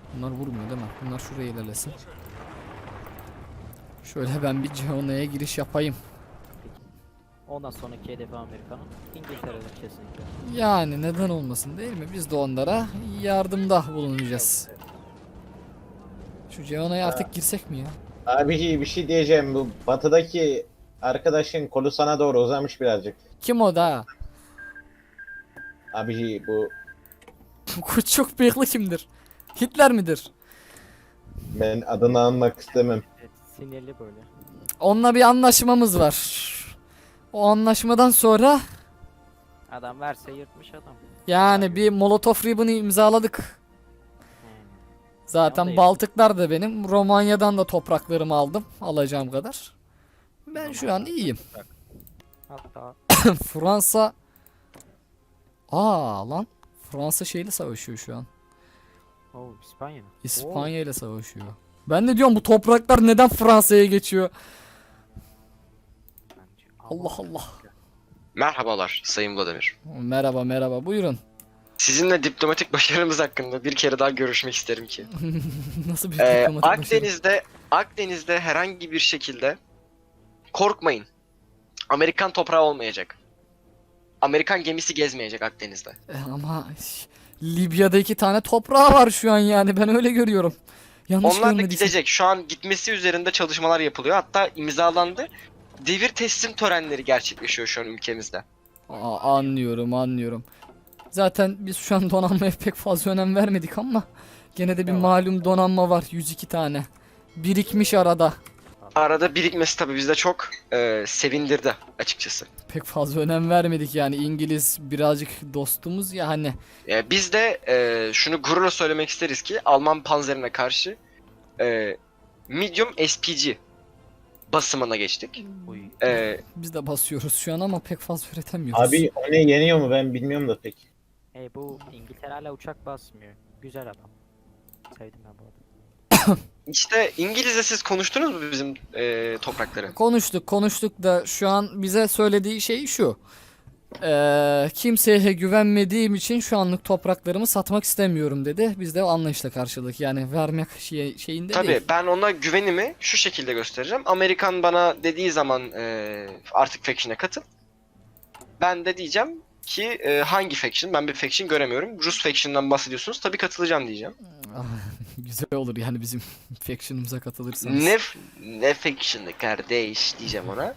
Bunlar vurmuyor değil mi? Bunlar şuraya ilerlesin. Şöyle ben bir Ceona'ya giriş yapayım. Ondan sonraki hedefi Amerika'nın İngiltere'dir kesinlikle. Yani neden olmasın değil mi? Biz de onlara yardımda bulunacağız. Şu Ceona'ya artık girsek mi ya? Abi bir şey diyeceğim. Bu batıdaki arkadaşın kolu sana doğru uzamış birazcık. Kim o da? Abi bu Çok bıyıklı kimdir? Hitler midir? ben adını anmak istemem. Evet, sinirli böyle. Onunla bir anlaşmamız var. O anlaşmadan sonra Adam verse yırtmış adam. yani bir Molotov Ribbon'ı imzaladık. Yani. Zaten Yanındayız. Baltıklar da benim. Romanya'dan da topraklarımı aldım. Alacağım kadar. Ben şu an iyiyim. Hatta Fransa... Lan. Fransa şeyle savaşıyor şu an. İspanya mı? İspanya ile savaşıyor. Ben de diyorum bu topraklar neden Fransa'ya geçiyor? Allah Allah. Merhabalar Sayın Vladimir. Merhaba merhaba buyurun. Sizinle diplomatik başarımız hakkında bir kere daha görüşmek isterim ki. Nasıl bir diplomatik başarı? Akdeniz'de herhangi bir şekilde korkmayın. Amerikan toprağı olmayacak. Amerikan gemisi gezmeyecek Akdeniz'de. Ama Libya'da 2 tane toprağı var şu an yani ben öyle görüyorum. Yanlış Onlar da görmediysem. gidecek. Şu an gitmesi üzerinde çalışmalar yapılıyor. Hatta imzalandı. Devir teslim törenleri gerçekleşiyor şu an ülkemizde. Anlıyorum. Zaten biz şu an donanmaya pek fazla önem vermedik ama gene de bir Evet. malum donanma var 102 tane. Birikmiş arada. Arada birikmesi tabii bizde çok sevindirdi açıkçası. Pek fazla önem vermedik yani İngiliz birazcık dostumuz ya hani. Biz de şunu gururla söylemek isteriz ki Alman panzerine karşı medium SPG basımına geçtik. Uy. Biz de basıyoruz şu an ama pek fazla üretemiyoruz. Abi o ne yeniyor mu ben bilmiyorum da pek. Bu İngiltere hala uçak basmıyor. Güzel adam. Sevdim ben bu adamı. İşte İngilizce siz konuştunuz mu bizim toprakları? Konuştuk da şu an bize söylediği şey şu. Kimseye güvenmediğim için şu anlık topraklarımı satmak istemiyorum dedi. Biz de anlayışla karşılık yani vermek şeyinde Tabii değil. ben ona güvenimi şu şekilde göstereceğim. Amerikan bana dediği zaman artık faction'e katıl. Ben de diyeceğim ki hangi faction? Ben bir faction göremiyorum. Rus faction'dan bahsediyorsunuz. Tabii katılacağım diyeceğim. Güzel olur yani bizim faction'ımıza katılırsanız. Ne faction'ı kardeş diyeceğim ona.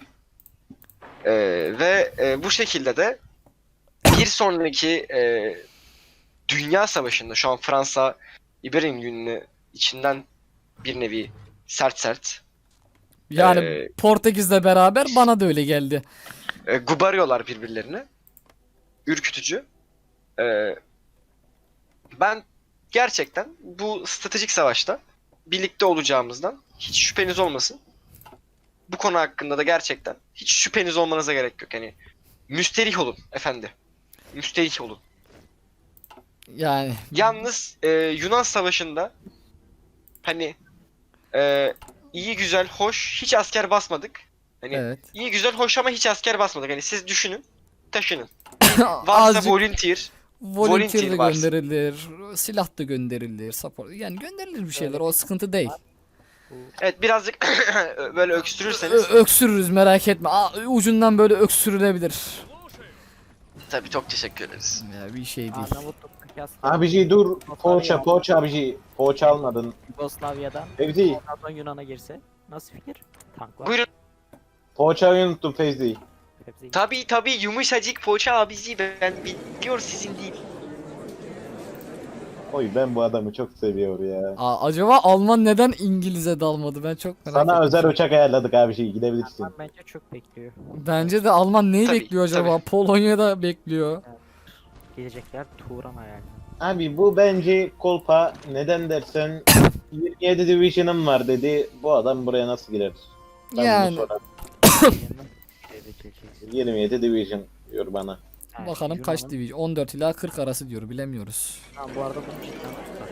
Bu şekilde de bir sonraki Dünya Savaşı'nda şu an Fransa İberia Günü'nü içinden bir nevi sert Yani Ee, Portekiz'le beraber bana da öyle geldi. gubarıyorlar birbirlerini. Ürkütücü. E, Ben gerçekten bu stratejik savaşta birlikte olacağımızdan hiç şüpheniz olmasın. Bu konu hakkında da gerçekten hiç şüpheniz olmanıza gerek yok. Yani müsterih olun efendi. Müsterih olun. Yani Yalnız Yunan Savaşı'nda hani iyi güzel hoş hiç asker basmadık. Hani evet. iyi güzel hoş ama hiç asker basmadık. Hani siz düşünün, taşının. Varsa Azıcık volunteer volunteer de varsa. gönderilir, silah da gönderilir, support. Yani gönderilir bir şeyler. O sıkıntı değil. Evet birazcık böyle öksürürseniz Öksürürüz merak etme. Ucundan böyle öksürülebilir. tabii çok teşekkür ederiz. Ya bir şey değil. Arnavutluk'taki asker Abici dur. Poğaça abici. Poğaça almadın. Yugoslavya'dan Fevzi. ondan sonra Yunan'a girse nasıl fikir? Tank var. Buyurun. Poğaçayı unuttum Fevzi. Hepsi Tabii yumuşacık poğaça abici ben biliyor sizin değil. Oy ben bu adamı çok seviyorum ya. Acaba Alman neden İngiliz'e dalmadı? Ben çok merak Sana ettim. özel uçak ayarladık abici gidebilirsin. bence çok bekliyor. Bence de Alman neyi Tabii, bekliyor acaba? Polonya'da bekliyor. Gelecekler Turan hayali. Abi bu bence kolpa neden dersen 27 Division'ım var dedi. Bu adam buraya nasıl girer? Ben bunu Yani sorarım. Yanına gelecek. 27 Division diyor bana. Ha, bakalım kaç Yunan'ın- division? 14 ila 40 arası diyor bilemiyoruz. Ha, bu arada bunu cidden tutar.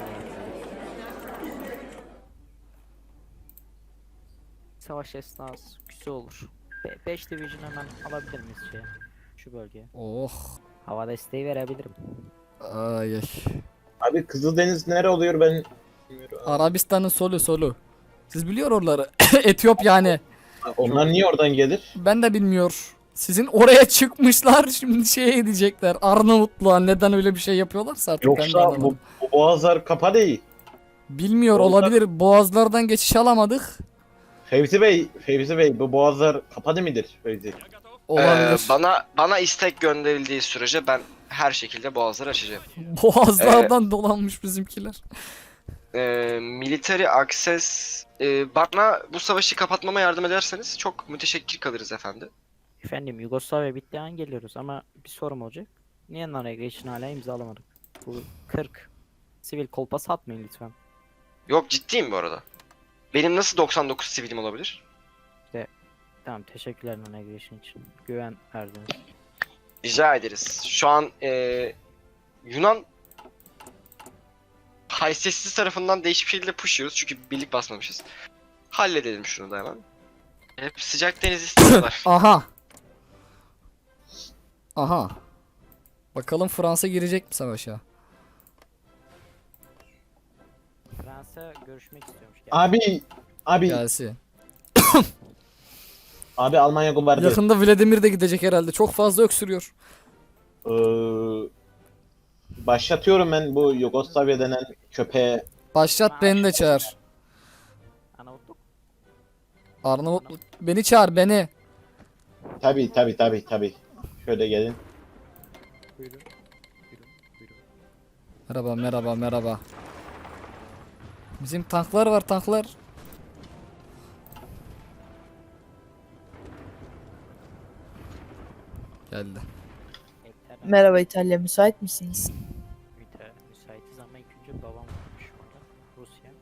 Savaş esnası güzel olur. 5 division hemen alabilir miyiz şu bölgeye? Oh. Hava desteği verebilirim. Ay ay. Abi Kızıldeniz nere oluyor ben bilmiyorum. Arabistan'ın solu. Siz biliyor oraları. Etiyop yani. Onlar niye oradan gelir? Ben de bilmiyor. Sizin oraya çıkmışlar şimdi şey edecekler. Arnavutluğa neden öyle bir şey yapıyorlarsa artık ben de Yoksa anlamadım. bu boğazlar kapa değil. Bilmiyor Onlar- olabilir. Boğazlardan geçiş alamadık. Fevzi Bey bu boğazlar kapadı mıdır Fevzi? Olabilir. Bana istek gönderildiği sürece ben her şekilde boğazları açacağım. Boğazlardan dolanmış bizimkiler. Military access bana bu savaşı kapatmama yardım ederseniz çok müteşekkir kalırız efendi. Efendim Yugoslavya bitti an geliyoruz ama bir sorum olacak. Niye non-aggression hala imzalamadık? Bu 40 sivil kolpa satmayın lütfen. Yok ciddiyim bu arada. Benim nasıl 99 sivilim olabilir? Tamam teşekkürler non-aggression için. Güven verdiniz. Rica ederiz. Şu an Yunan haysiyetsiz tarafından değişik bir şekilde push yiyoruz çünkü birlik basmamışız. Halledelim şunu da hemen. Hep sıcak deniz istiyorlar. Aha. Bakalım Fransa girecek mi savaşa? Fransa görüşmek istiyormuş. Abi Gelsin. abi Almanya bombardı. Yakında Vladimir de gidecek herhalde. Çok fazla öksürüyor. Başlatıyorum ben bu Yugoslavya denen köpeğe. Başlat beni de çağır. Arnavutluk. Arnavutluk. Beni çağır beni. Tabi. Şöyle gelin. Buyurun. Merhaba. Bizim tanklar var tanklar. Geldi. Merhaba İtalya, müsait misiniz? Müsaitiz ama ilk önce babam varmış orada. Rusya.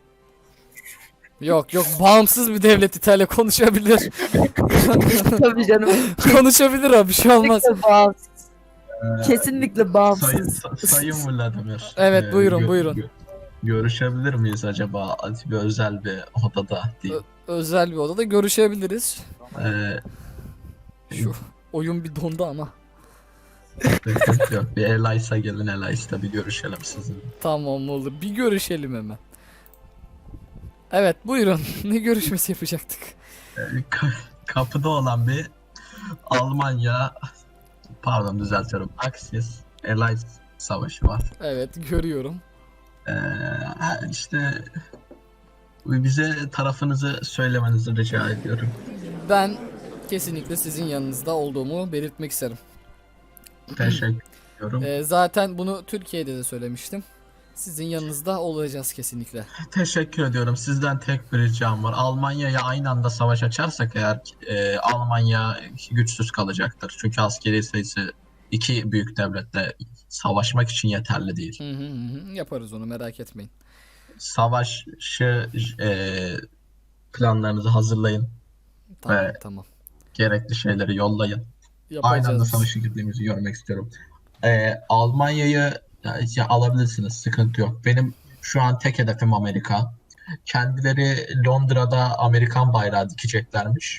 Yok bağımsız bir devlet İtalya konuşabilir. Tabii canım. Konuşabilir abi bir şey olmaz. Kesinlikle bağımsız. Kesinlikle bağımsız. Sayın Vladimir. Evet, buyurun, buyurun. Görüşebilir miyiz acaba bir özel bir odada diyeyim. Özel bir odada görüşebiliriz. Ee, Şu oyun bir dondu ama. Sıkıntı yok. Bir Elias'a gelin, Elias'ta bir görüşelim sizinle. Tamam olur. Bir görüşelim hemen. Evet buyurun. Ne görüşmesi yapacaktık? Kapıda olan bir Almanya, pardon düzeltiyorum, Axis Elias savaşı var. Evet görüyorum. İşte bize tarafınızı söylemenizi rica ediyorum. Ben kesinlikle sizin yanınızda olduğumu belirtmek isterim. Teşekkür ediyorum. Zaten bunu Türkiye'de de söylemiştim. Sizin yanınızda olacağız kesinlikle. Teşekkür ediyorum. Sizden tek bir ricam var. Almanya'ya aynı anda savaş açarsak eğer Almanya güçsüz kalacaktır. Çünkü askeri sayısı iki büyük devletle savaşmak için yeterli değil. Yaparız onu merak etmeyin. Savaşı planlarınızı hazırlayın. Tamam. Gerekli şeyleri yollayın. Yapacağız. Aynı anda savaşa girdiğimizi görmek istiyorum. Almanya'yı alabilirsiniz. Sıkıntı yok. Benim şu an tek hedefim Amerika. Kendileri Londra'da Amerikan bayrağı dikeceklermiş.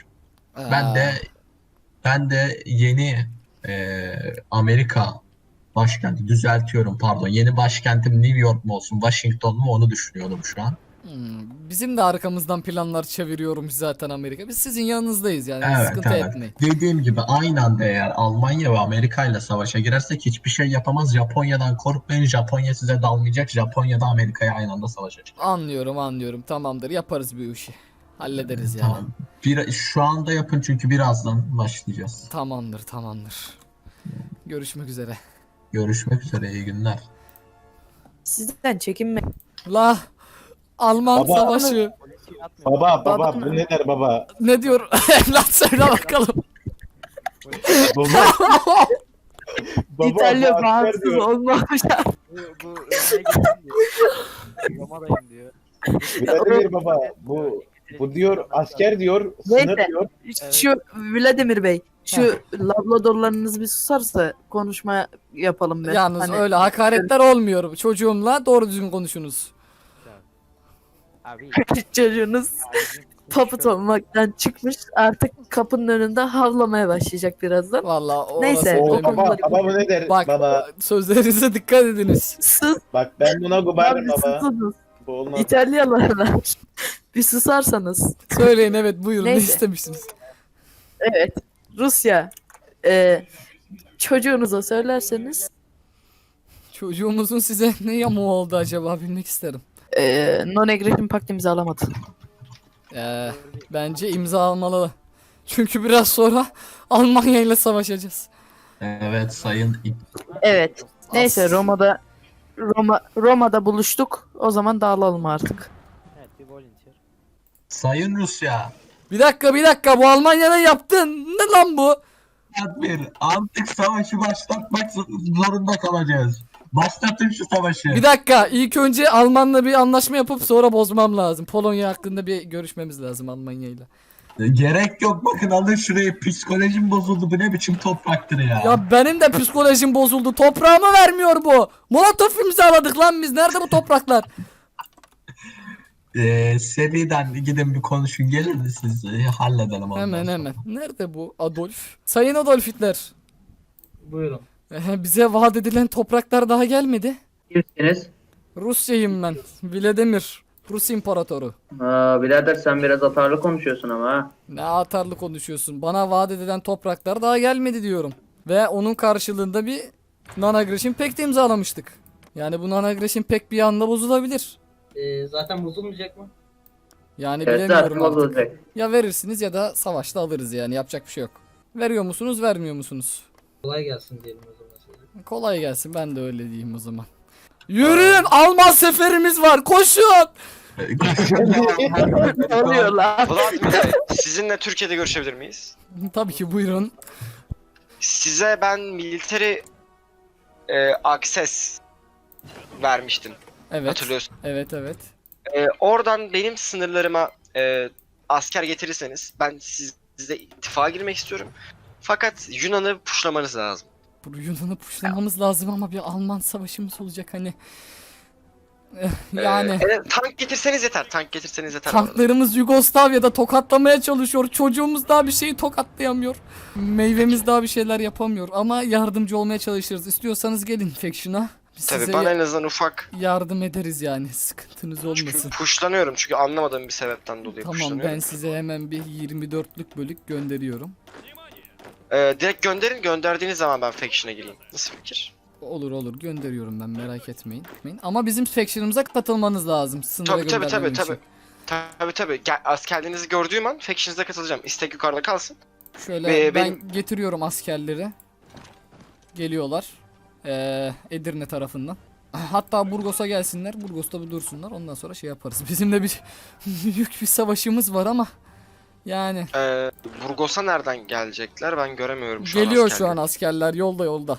Ben de yeni Amerika başkenti düzeltiyorum pardon. Yeni başkentim New York mu olsun, Washington mu onu düşünüyorum şu an. Bizim de arkamızdan planlar çeviriyormuş zaten Amerika. Biz sizin yanınızdayız yani Evet, sıkıntı evet. etmeyin. Dediğim gibi aynı anda eğer Almanya ve Amerika ile savaşa girersek hiçbir şey yapamaz. Japonya'dan korkmayın. Japonya size dalmayacak. Japonya da Amerika'ya aynı anda savaşacak. Anlıyorum. Tamamdır. Yaparız bir işi. Hallederiz yani. Tamam. Şu anda yapın çünkü birazdan başlayacağız. Tamamdır. Görüşmek üzere. Görüşmek üzere. İyi günler. Sizden çekinme. La Alman Baba. savaşı. Polisi atmıyor. Baba bu ne der baba? Ne diyor? Evlat söyle bakalım. Baba. Baba, İtalya bu asker bağımsız diyor. olmamış. Bu Roma'ya gittim diyor. Roma'dayım diyor. Vladimir baba bu diyor asker diyor sınır Neyse. diyor. Şu Vladimir Bey, şu labradorlarınız bir susarsa konuşma yapalım be. Yalnız Hani- öyle hakaretler olmuyor. Çocuğumla doğru düzgün konuşunuz. Abi Çocuğunuz. abicim papıt olmaktan çıkmış. Artık kapının önünde havlamaya başlayacak birazdan. Vallahi Neyse, O o orası baba, konuları- baba bu ne der? Bak Baba sözlerinize dikkat ediniz. Sus. bak ben buna gubarım Abi baba. susunuz. Bu olmaz. İtalyalılar. Bir susarsanız. Söyleyin, evet, buyurun, ne Neyse. istemişsiniz? Evet. Rusya. Çocuğunuza söylerseniz Çocuğumuzun size ne yamuğu oldu acaba, bilmek isterim. non-aggression pact imzalamadı. Bence imza almalı. Çünkü biraz sonra Almanya ile savaşacağız. Evet sayın Evet. Neyse As- Roma'da buluştuk. O zaman dağılalım artık. Evet, bir volunteer. Sayın Rusya. Bir dakika, bu Almanya'nın yaptığın ne lan bu? Bir antik savaşı başlatmak zorunda kalacağız. Başlatın şu savaşı. Bir dakika, ilk önce Almanla bir anlaşma yapıp sonra bozmam lazım. Polonya hakkında bir görüşmemiz lazım Almanya ile. Gerek yok, bakın alın şurayı, psikolojim bozuldu, bu ne biçim topraktır ya. Ya benim de psikolojim bozuldu. Toprağımı vermiyor bu. Molotov imzaladık lan biz. Nerede bu topraklar? Seriden gidin bir konuşun, gelir mi siz? Halledelim ondan Hemen sonra. hemen. Nerede bu Adolf? Sayın Adolf Hitler. Buyurun. Bize vaat edilen topraklar daha gelmedi. Kimsiniz? Rusya'yım ben. Vladimir. Rus İmparatoru. Birader sen biraz atarlı konuşuyorsun ama ha. Ne atarlı konuşuyorsun. Bana vaat edilen topraklar daha gelmedi diyorum. Ve onun karşılığında bir non-aggression pact imzalamıştık. Yani bu non-aggression pact bir anda bozulabilir. Zaten bozulmayacak mı? Yani Evet, bilemiyorum zaten artık. bozulacak. Ya verirsiniz ya da savaşta alırız yani. Yapacak bir şey yok. Veriyor musunuz, vermiyor musunuz? Kolay gelsin diyelim o zaman size. Kolay gelsin, ben de öyle diyeyim o zaman. Yürüyün, Alman seferimiz var, koşun! Ne oluyor lan? Vladimir Bey, sizinle Türkiye'de görüşebilir miyiz? Tabii ki, buyurun. Size ben military access vermiştim. Evet, Hatırlıyorsun. evet, evet. Oradan benim sınırlarıma asker getirirseniz ben sizle ittifaqa girmek istiyorum. Fakat Yunan'ı puşlamanız lazım. Bu Yunan'ı puşlamamız lazım ama bir Alman savaşımız olacak hani. Yani Tank getirseniz yeter. Tank getirseniz yeter. bu arada. tanklarımız Yugoslavya'da tokatlamaya çalışıyor. Çocuğumuz daha bir şeyi tokatlayamıyor. Meyvemiz daha bir şeyler yapamıyor ama yardımcı olmaya çalışırız. İstiyorsanız gelin Faction'a. Biz Tabii size bana en azından ufak. yardım ederiz yani. Sıkıntınız Çünkü olmasın. puşlanıyorum. Çünkü anlamadığım bir sebepten dolayı Tamam, puşlanıyorum. ben size hemen bir 24'lük bölük gönderiyorum. Direkt gönderin. Gönderdiğiniz zaman ben Faction'a gireyim. Nasıl fikir? Olur gönderiyorum ben, merak etmeyin. Ama bizim faction'ımıza katılmanız lazım. Sınıra Tabii göndermem için. tabii. Askerlerinizi gördüğüm an Faction'ınıza katılacağım. İstek yukarıda kalsın. Şöyle ben benim- getiriyorum askerleri. Geliyorlar. Edirne tarafından. Hatta Burgos'a gelsinler. Burgos'ta bir dursunlar. Ondan sonra şey yaparız. Bizim de bir büyük bir savaşımız var ama yani Burgos'a nereden gelecekler? Ben göremiyorum şu an geliyor askerleri. şu an askerler, yolda.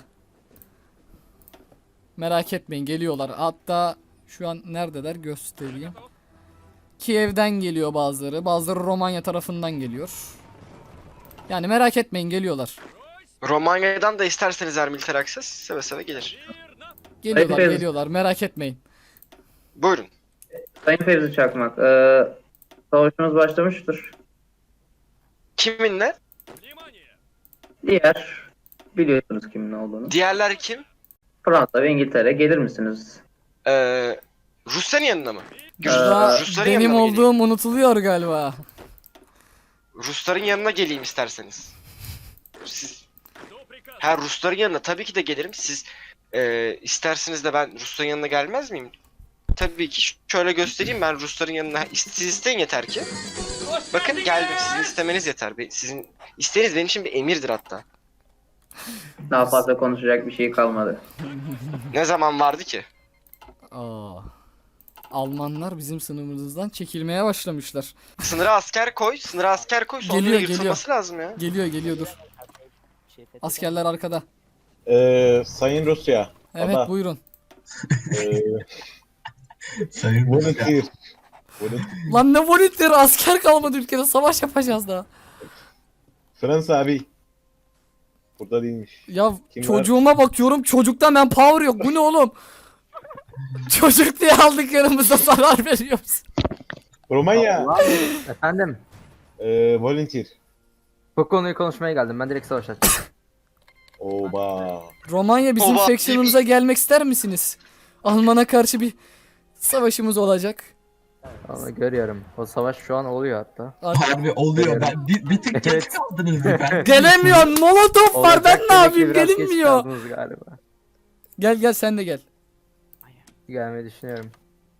Merak etmeyin, geliyorlar. Hatta şu an neredeler göstereyim. Kiev'den geliyor bazıları. Bazıları Romanya tarafından geliyor. Yani merak etmeyin, geliyorlar. Romanya'dan da isterseniz eğer militer access seve seve gelir. Hayır. Geliyorlar, merak etmeyin. Buyurun. Sayın Fevzi Çakmak, savaşımız başlamıştır. Kiminle? Diğer, biliyorsunuz kimin olduğunu. Diğerler kim? Fransa ve İngiltere, gelir misiniz? Rusya'nın yanına mı? Burada Rusların benim yanına mı geleyim? olduğum unutuluyor galiba. Rusların yanına geleyim isterseniz. Siz... Rusların yanına tabii ki de gelirim. Siz isterseniz de ben Rusların yanına gelmez miyim? Tabii ki şöyle göstereyim, ben Rusların yanına. Siz isteyin yeter ki. Bakın geldim, sizin istemeniz yeter. Sizin isteğiniz benim için bir emirdir hatta. Daha fazla konuşacak bir şey kalmadı. Ne zaman vardı ki? Almanlar bizim sınırımızdan çekilmeye başlamışlar. Sınıra asker koy, sonra Geliyor, yırtılması lazım ya. Geliyor dur. Askerler arkada. Sayın Rusya. Evet, Baba. buyurun. Sayın Rusya. Volunteer. Lan ne volitleri, asker kalmadı ülkede, savaş yapacağız daha. Fransa abi. Burada değilmiş. Ya Kim çocuğuma bakıyorum, çocukta manpower yok. Bu ne oğlum? Çocuk diye aldık yanımıza, zarar veriyoruz. Romanya. Efendim, Volunteer. bu konuyu konuşmaya geldim. Ben direkt savaş açacağım. Oba. Romanya bizim Oba, faction'ımıza gelmek ister misiniz? Alman'a karşı bir savaşımız olacak. Ama görüyorum. O savaş şu an oluyor hatta. Harbi oluyor. Ben bir tık geç Evet. kaldınız ben. Gelemiyorum. Molotov var. Ben Olacak ne demek ki yapayım? biraz geç Gelinmiyor. kaldınız galiba. Gel sen de gel. Gelmeyi düşünüyorum.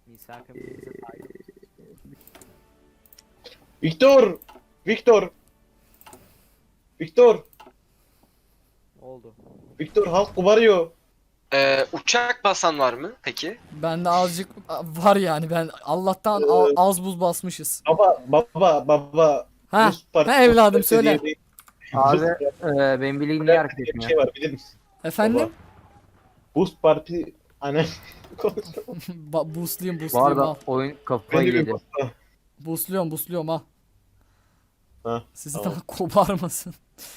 Victor. Victor. Victor. Oldu. Victor halk kubarıyor. Uçak basan var mı peki? Bende azıcık var yani. Ben Allah'tan az buz basmışız. Baba. Ha, Buz partisi- ha evladım söyle. diye Abi Buz- benim bildiğim niye hareket bir etmiyor? şey var bilir misin? Efendim? Buz parti hani Boostlayayım Bu arada al. oyun kafayı beni bir yedi. buzla. Boostluyorum al. Ha, Sizi tamam. daha koparmasın.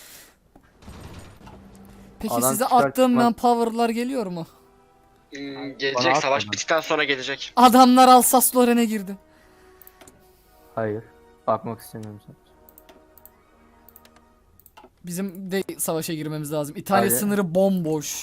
Peki Adam size çıkar attığım çıkmaz- manpower'lar geliyor mu? Gelecek, Bana savaş atma. bittikten sonra gelecek. Adamlar Alsace-Lorraine'e girdi. Hayır. Bakmak istemiyorum sadece. Bizim de savaşa girmemiz lazım. İtalya Haydi. sınırı bomboş.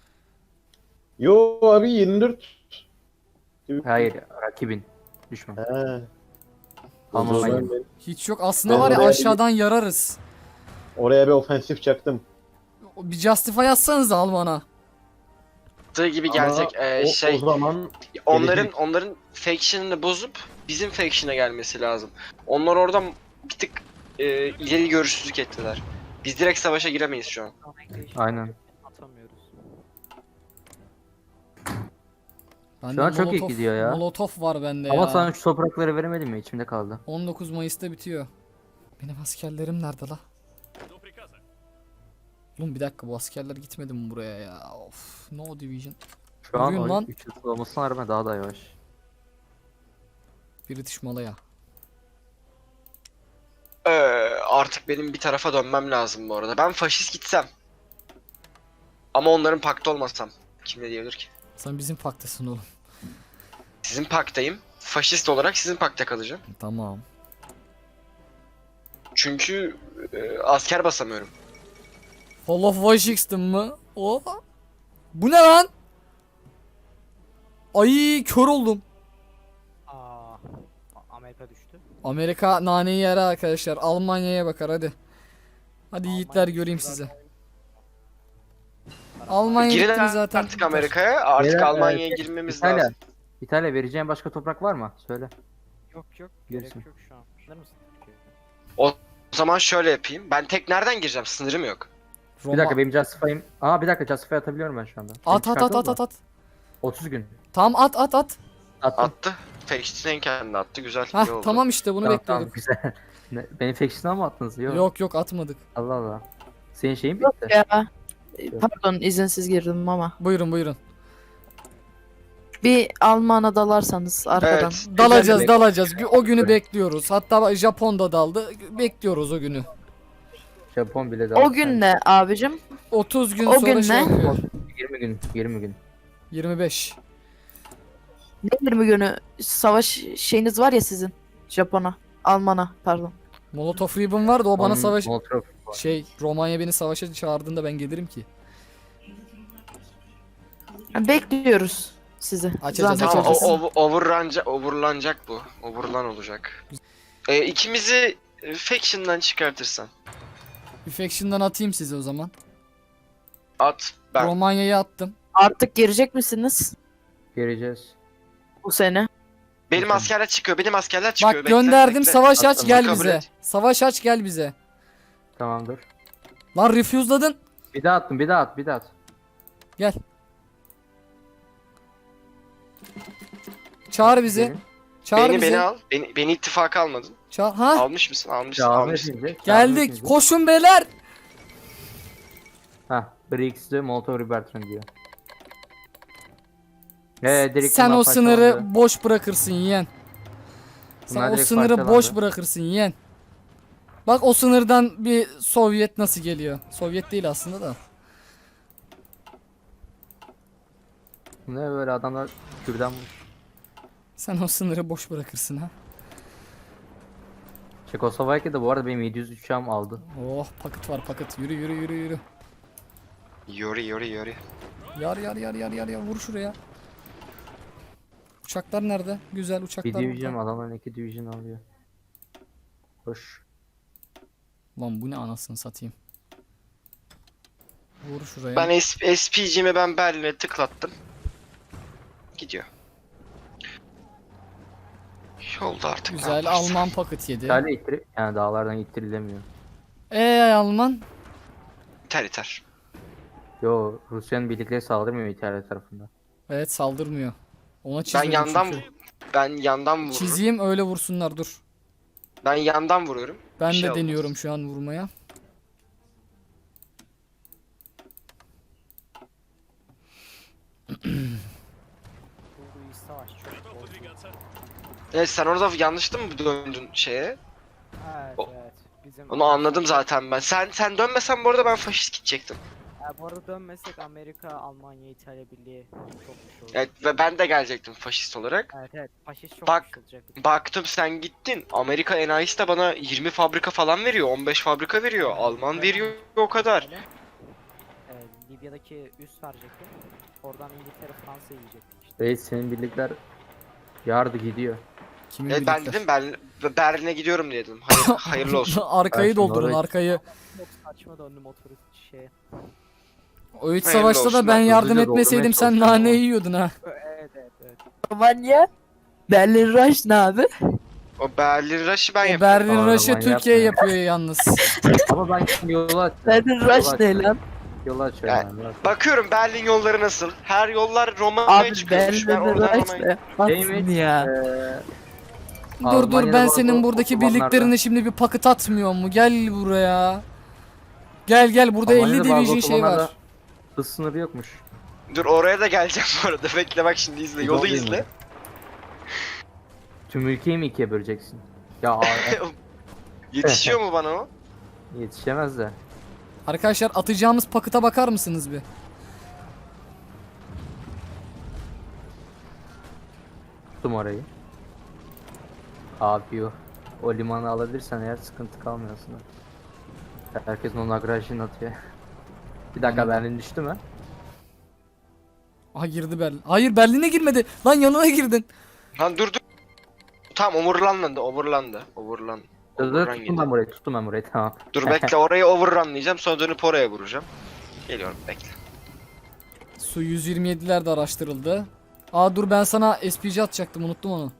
Yo abi 24. Hayır, rakibin. Düşman. He. Alman O zaman manyağı. ben Hiç yok. Aslında Ben var ya oraya aşağıdan yararız. oraya bir ofensif çaktım. Bir Justify atsanız Alman'a. Tığı gibi Ama gelecek. o zaman Onların faction'ını bozup bizim faction'a gelmesi lazım. Onlar oradan bir tık ileri görüşsüzlük ettiler. Biz direkt savaşa giremeyiz şu an. Aynen. Atamıyoruz. Bende Şu an çok iyi gidiyor ya. Molotov var bende Ama ya. sana şu toprakları veremedim mi? İçimde kaldı. 19 Mayıs'ta bitiyor. Benim askerlerim nerede la? Oğlum bir dakika bu askerler gitmedi mi buraya ya? Of, no division. Şu an Yürüyün lan. oyun 3 yıl olmasına rağmen daha da yavaş. British Malaya. Artık benim bir tarafa dönmem lazım bu arada. Ben faşist gitsem. Ama onların paktı olmasam. Kim ne diyebilir ki? Sen bizim paktasın oğlum. Sizin paktayım. Faşist olarak sizin pakta kalacağım. Tamam. Çünkü asker basamıyorum. Fall of Washington mı? O. Bu ne lan? Ay kör oldum. Amerika düştü. Amerika naneyi yer arkadaşlar. Almanya'ya bakar hadi. Hadi yiğitler göreyim sizi. Almanya Girin gitti zaten. artık Amerika'ya. Artık Beyler, Almanya'ya girmemiz İtalya. lazım. İtalya vereceğin başka toprak var mı? Söyle. Yok Gerisi. gerek yok şu an. Anlar mısın? O zaman şöyle yapayım. Ben tek nereden gireceğim? Sınırım yok. Roma. Bir dakika benim Justify'ım. Aa bir dakika Justify atabiliyorum ben şu anda. At Seni at at çıkartalım at mı? at. 30 gün. Tamam at. Attım. Attı. Faction'ın kendi attı. Güzel. iyi Hah oldu. tamam işte bunu Tamam, bekliyorduk. güzel. Beni faction'a mı attınız? Yok. Yok atmadık. Allah Allah. Senin şeyin Yok bitti. ya. Pardon izinsiz girdim ama. Buyurun. Bir Alman'a dalarsanız arkadan. Evet. Dalacağız. O günü bekliyoruz. Hatta Japon da daldı. Bekliyoruz o günü. Japon bile O gün ne abicim? 30 gün O sonra gün şey ne? yapıyor. 20 gün. 20 gün. 25. Ne 20 günü savaş şeyiniz var ya sizin. Japon'a. Alman'a pardon. Molotov Ribbon vardı o bana Onun savaş... Molotov. Romanya beni savaşa çağırdığında ben gelirim ki. Bekliyoruz sizi. Açacağız, Zahmet Tamam, açacağız. olmasın. overlanacak bu. Overlan olacak. İkimizi faction'dan çıkartırsan. Bir faction'dan atayım size o zaman. At. Ben. Romanya'ya attım. Artık girecek misiniz Geleceğiz. bu sene? Benim askerler çıkıyor. Benim askerler çıkıyor. Bak Bekle, gönderdim bekle. savaş aç Attım, gel kabul bize. et. Savaş aç gel bize. Tamamdır. Lan refuse'ladın. Bir daha attım. Bir daha at. Bir daha at. Gel. Çağır bizi. Gelin. Çağır Beni bizi. al. Beni ittifaka almadın. Çağır. Ha? Almış mısın? Almışsın. Çağırma Almışsın. hepinizi, çağırma Geldik. hepinizi. Koşun beyler. Hah. Brix'de Molotov Ribbentrop diyor. Direkt Sen bunlar o sınırı parçalandı. boş bırakırsın yeğen. Sen Bunlar o direkt sınırı parçalandı. boş bırakırsın yeğen. Bak o sınırdan bir Sovyet nasıl geliyor? Sovyet değil aslında da. Ne böyle adamlar kürdan mı? Sen o sınırı boş bırakırsın ha. Çekoslovakya'da bu arada benim 700 uçağım aldı. Oh paket var paket. Yürü yürü yürü yürü. Yori yori yori. Yar yar yar yar yar yar vur şuraya. Uçaklar nerede? Güzel Bir uçaklar division burada. adamların 2 division alıyor. Hoş. Lan bu ne anasını satayım. Vur şuraya. Ben SPG'mi ben Berlin'e tıklattım. Gidiyor. Yolda artık. ne Güzel yaparsın? Alman paket yedi. İtalya yani dağlardan ittirilemiyor. Alman. İter iter. Yo, Rusya'nın birlikleri saldırmıyor İtalya tarafından. Evet saldırmıyor. Ona Ben çizmedim yandan çünkü. vururum. Çizeyim öyle vursunlar dur. Ben yandan vuruyorum. Ben Bir şey de olmaz. deniyorum şu an vurmaya. Bu iç savaş çok bozdu. Evet sen orada yanlıştı mı döndün şeye? Evet O- evet. Bizim Onu anladım zaten ben. Sen dönmesen bu arada ben faşist gidecektim. Bu arada dönmesek Amerika, Almanya, İtalya Birliği çok güçlü olur. Evet ve ben de gelecektim faşist olarak. Evet evet. Faşist çok Bak- güçlü olacak. Baktım sen gittin. Amerika enayisi de bana 20 fabrika falan veriyor. 15 fabrika veriyor. Alman veriyor o kadar. Öyle. Libya'daki üs verecektim. Oradan İngiltere, Fransa yiyecek. İşte Reis senin birlikler yardı gidiyor. Kimin Evet ben birlikler? dedim Berlin'e gidiyorum diye dedim. Hayırlı olsun. Arkayı Ben şimdi doldurun oraya- arkayı. çok saçma döndü motoru şeye. O iç Hayırlı savaşta olsun, da ben ben yardım hızlıca etmeseydim doldurmaya sen çalışıyorum nane ama. yiyordun ha. Evet evet evet. Almanya. Berlin Rush ne abi? O Berlin Rush'ı ben O yapıyorum. Berlin Aa, Rush'ı aman Türkiye yapma. yapıyor yalnız. Ama ben şimdi yola açıyorum. Berlin Rush ne lan? Yola açıyorum. Ya, yani, biraz. Bakıyorum Berlin yolları nasıl? Her yollar Romanya'ya Abi çıkıyormuş. Ben Berlin oradan Rush Romanya'ya... ne? Neymiş? Atsın ya. Dur Almanya'da ben bazı senin buradaki otobanlarda- birliklerine şimdi bir paket atmıyor mu? Gel buraya. Gel burada 50 Almanya'da bazı division şey var. otobanlarda hız sınırı yokmuş. Dur oraya da geleceğim bu arada. Bekle bak şimdi izle. Yolu Yol izle. değil Tüm ülkeyi mi ikiye böleceksin? Ya Yetişiyor mu bana o? yetişemez de. Arkadaşlar atacağımız pakete bakar mısınız bir? Tuttum orayı. Abi o limanı alabilirsen eğer sıkıntı kalmıyor aslında. Herkes onun agrajını atıyor. Bir dakika Berlin düştü mü? Aha girdi Berlin. Hayır Berlin'e girmedi. Lan yanına girdin. Lan dur. Tamam overrunlandı. Overrun Tuttum gidiyor. ben burayı, tuttum ben burayı tamam. Dur bekle orayı overrunlayacağım. Sonra dönüp oraya vuracağım. Geliyorum bekle. Su 127'ler de araştırıldı. Aa dur ben sana SPG atacaktım unuttum onu.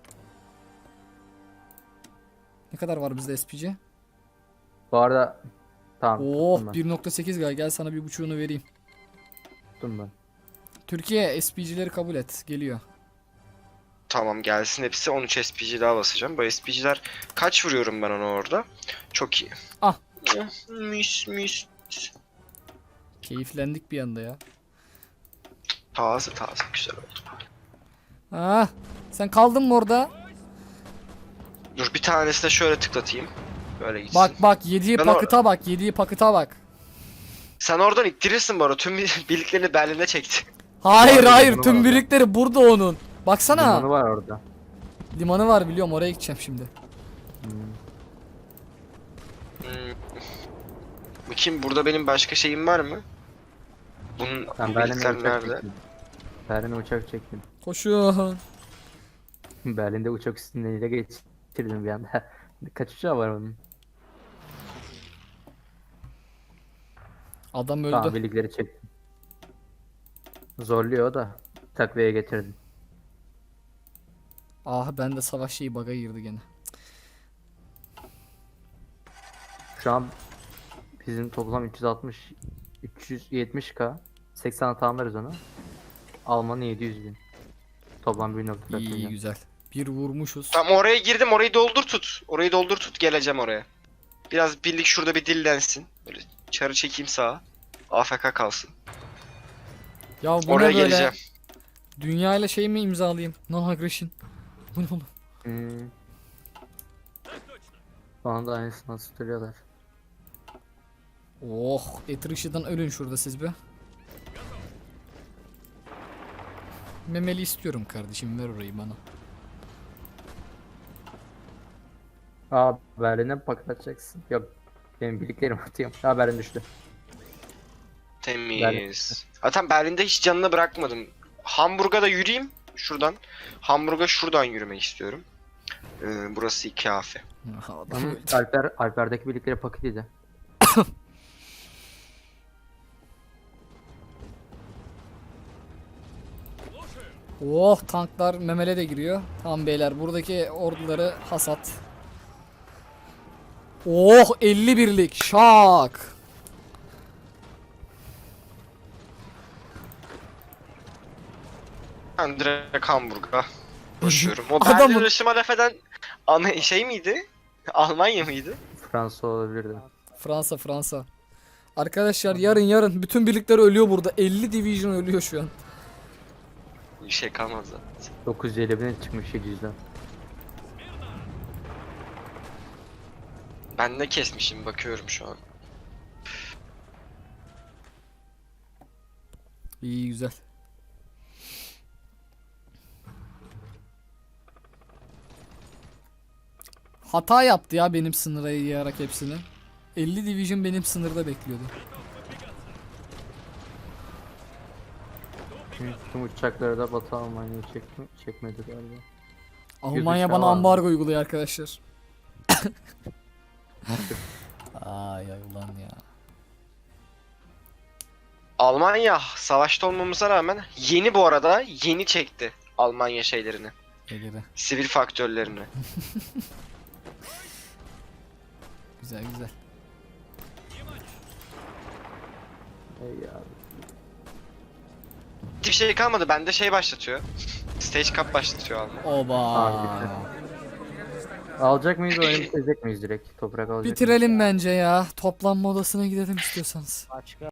Ne kadar var bizde SPG? Bu arada tamam Oh tuttum ben. 1.8 gel sana 1.5'unu vereyim. Tuttum ben. Türkiye SPG'leri kabul et. Geliyor. Tamam gelsin hepsi. 13 SPG daha basacağım. Bu SPG'ler kaç vuruyorum ben ona orada? Çok iyi. Ah. Mis. Keyiflendik bir anda ya. Taze güzel oldu. Ah sen kaldın mı orada? Dur bir tanesine şöyle tıklatayım. Böyle gitsin. Bak yediği Ben pakıta bak. Yediği pakıta bak. Sen oradan ittirirsin bu arada. Tüm birliklerini Berlin'e çekti. Hayır Var, hayır limanı tüm var. birlikleri burada onun. Baksana. Limanı var orada. Limanı var biliyorum oraya gideceğim şimdi. Bakayım burada benim başka şeyim var mı? Bunun Ben bu Berlin'e birlikler uçak nerede? çektim. Berlin'e uçak çektim. Koşun. Berlin'de uçak üstünden ile geçirdim bir anda. Kaç uçağı var onun? Adam öldü. Tamam birlikleri çektim. Zorluyor o da. Takviye getirdim. Ah ben de savaş şeyi bug'a girdi gene. Şu an bizim toplam 370k. 80 tamamlarız onu. Alman'ın 700.000. Toplam 1.4 İyi milyon. güzel. Bir vurmuşuz. Tamam oraya girdim. Orayı doldur tut. Orayı doldur tut. Geleceğim oraya. Biraz birlik şurada bir dillensin. Böyle çarı çekeyim sağa. AFK kalsın. Ya bu Oraya ne böyle? geleceğim. Dünya ile şey mi imzalayayım? Non aggression. Bu ne oğlum? Bana da aynısını tutuyorlar. Oh etrişiden ölün şurada siz be. Memeli istiyorum kardeşim ver orayı bana. Aa, Berlin'e mi paket atacaksın? Yok. Benim birliklerim atıyorum. Ha, Berlin düştü. Temiz. Zaten Berlin'de hiç canını bırakmadım. Hamburg'a da yürüyeyim. Şuradan. Hamburg'a şuradan yürümek istiyorum. Burası kafe. Adam öldü. Alper'deki birlikleri paket yedi. Oh, tanklar memele de giriyor. Tamam beyler, buradaki orduları hasat. Oh, 50 birlik şak. Ben direkt Hamburg'a koşuyorum. O Adamın- Berlin Rışıma laf eden şey miydi? Almanya mıydı? Fransa olabilirdi. Fransa. Arkadaşlar yarın bütün birlikler ölüyor burada. 50 division ölüyor şu an. Bir şey kalmadı zaten. 950 çıkmış 700'den. Ben ne kesmişim bakıyorum şu an. İyi, güzel. Hata yaptı ya benim sınıra yayarak hepsini. 50 division benim sınırda bekliyordu. Çünkü tüm uçakları da Batı Almanya'ya çekmedi galiba. Almanya uçağı bana var. ambargo uyguluyor arkadaşlar. Ay ulan ya. Almanya savaşta olmamıza rağmen yeni bu arada yeni çekti Almanya şeylerini. Egeri. Sivil faktörlerini. Güzel. Ey abi. Hiçbir şey kalmadı. Bende şey başlatıyor. Stage Cup başlatıyor Almanya. Oba. Abi, alacak mıyız, oyunu bitirecek miyiz direkt? Toprak alacak mıyız? Bitirelim bence ya. Toplanma odasına gidelim istiyorsanız. Başka